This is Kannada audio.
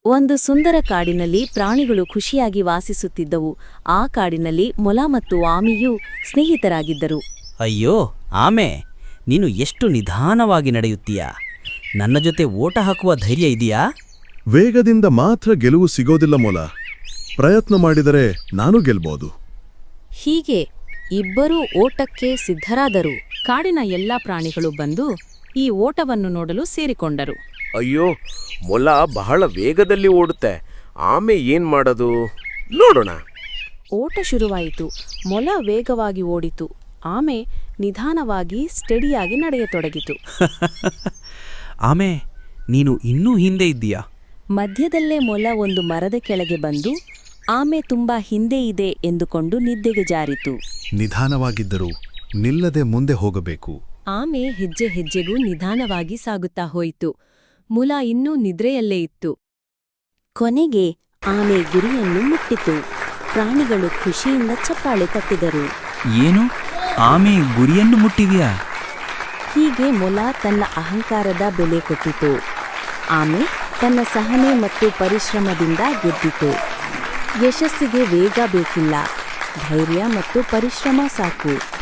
ಒಂದು ಸುಂದರ ಕಾಡಿನಲ್ಲಿ ಪ್ರಾಣಿಗಳು ಖುಷಿಯಾಗಿ ವಾಸಿಸುತ್ತಿದ್ದವು. ಆ ಕಾಡಿನಲ್ಲಿ ಮೊಲ ಮತ್ತು ಆಮೆಯೂ ಸ್ನೇಹಿತರಾಗಿದ್ದರು. ಅಯ್ಯೋ ಆಮೆ, ನೀನು ಎಷ್ಟು ನಿಧಾನವಾಗಿ ನಡೆಯುತ್ತೀಯಾ? ನನ್ನ ಜೊತೆ ಓಟ ಹಾಕುವ ಧೈರ್ಯ ಇದೆಯಾ? ವೇಗದಿಂದ ಮಾತ್ರ ಗೆಲುವು ಸಿಗೋದಿಲ್ಲ ಮೊಲ. ಪ್ರಯತ್ನ ಮಾಡಿದರೆ ನಾನು ಗೆಲ್ಬೋದು. ಹೀಗೆ ಇಬ್ಬರೂ ಓಟಕ್ಕೆ ಸಿದ್ಧರಾದರು. ಕಾಡಿನ ಎಲ್ಲಾ ಪ್ರಾಣಿಗಳು ಬಂದು ಈ ಓಟವನ್ನು ನೋಡಲು ಸೇರಿಕೊಂಡರು. ಅಯ್ಯೋ, ಮೊಲ ಬಹಳ ವೇಗದಲ್ಲಿ ಓಡುತ್ತೆ. ಆಮೆ ಏನ್ ಮಾಡೋದು ನೋಡೋಣ. ಓಟ ಶುರುವಾಯಿತು. ಮೊಲ ವೇಗವಾಗಿ ಓಡಿತು. ಆಮೆ ನಿಧಾನವಾಗಿ ಸ್ಟೆಡಿಯಾಗಿ ನಡೆಯತೊಡಗಿತು. ಆಮೆ, ನೀನು ಇನ್ನೂ ಹಿಂದೆ ಇದ್ದೀಯಾ? ಮಧ್ಯದಲ್ಲೇ ಮೊಲ ಒಂದು ಮರದ ಕೆಳಗೆ ಬಂದು ಆಮೆ ತುಂಬಾ ಹಿಂದೆ ಇದೆ ಎಂದುಕೊಂಡು ನಿದ್ದೆಗೆ ಜಾರಿತು. ನಿಧಾನವಾಗಿದ್ದರೂ ನಿಲ್ಲದೆ ಮುಂದೆ ಹೋಗಬೇಕು. ಆಮೆ ಹೆಜ್ಜೆ ಹೆಜ್ಜೆಗೂ ನಿಧಾನವಾಗಿ ಸಾಗುತ್ತಾ ಹೋಯಿತು. ಮೊಲ ಇನ್ನೂ ನಿದ್ರೆಯಲ್ಲೇ ಇತ್ತು. ಕೊನೆಗೆ ಆಮೆ ಗುರಿಯನ್ನು ಮುಟ್ಟಿತು. ಪ್ರಾಣಿಗಳು ಖುಷಿಯಿಂದ ಚಪ್ಪಾಳೆ ತಟ್ಟಿದರು. ಏನು, ಆಮೆ ಗುರಿಯನ್ನು ಮುಟ್ಟಿದೆಯಾ? ಹೀಗೆ ಮೊಲ ತನ್ನ ಅಹಂಕಾರದ ಬೆಲೆ ಕೊಟ್ಟಿತು. ಆಮೆ ತನ್ನ ಸಹನೆ ಮತ್ತು ಪರಿಶ್ರಮದಿಂದ ಗೆದ್ದಿತು. ಯಶಸ್ಸಿಗೆ ವೇಗ ಬೇಕಿಲ್ಲ, ಧೈರ್ಯ ಮತ್ತು ಪರಿಶ್ರಮ ಸಾಕು.